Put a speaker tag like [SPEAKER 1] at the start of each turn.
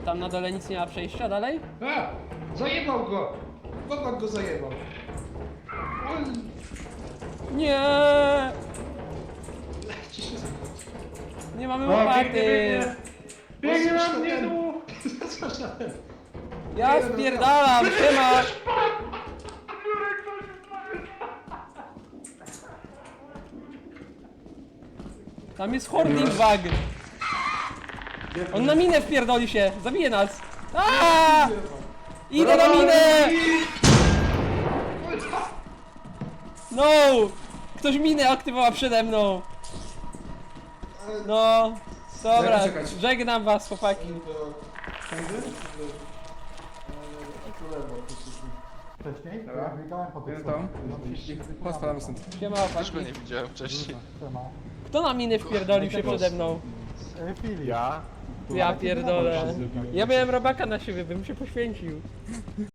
[SPEAKER 1] tam na dole nic nie ma przejścia dalej?
[SPEAKER 2] A! Zajebał go! Bobak go zajebał. Oj!
[SPEAKER 1] Nie!
[SPEAKER 2] Ciszę zachodzi.
[SPEAKER 1] Nie mamy
[SPEAKER 3] O,
[SPEAKER 1] łopaty!
[SPEAKER 3] Biegnie na mnie tu!
[SPEAKER 1] Ja spierdalam, siema! Tam jest hoarding bug! On na minę wpierdoli się! Zabije nas! Aaaa! Idę na minę! No! Ktoś minę aktywował przede mną! No! Dobra,
[SPEAKER 2] Czekać.
[SPEAKER 1] żegnam was, chłopaki.
[SPEAKER 4] Wcześniej?
[SPEAKER 3] Dobra.
[SPEAKER 4] Ja biegałem po tych
[SPEAKER 3] Jest tam.
[SPEAKER 4] schodach.
[SPEAKER 3] Postaram stąd.
[SPEAKER 1] Siema,
[SPEAKER 5] Też go
[SPEAKER 1] chłopaki.
[SPEAKER 5] nie widziałem wcześniej.
[SPEAKER 4] Siema.
[SPEAKER 1] Kto na miny wpierdolił się przede mną?
[SPEAKER 4] Filip.
[SPEAKER 5] Ja?
[SPEAKER 1] Ja pierdolę. Ja miałem robaka na siebie, bym się poświęcił.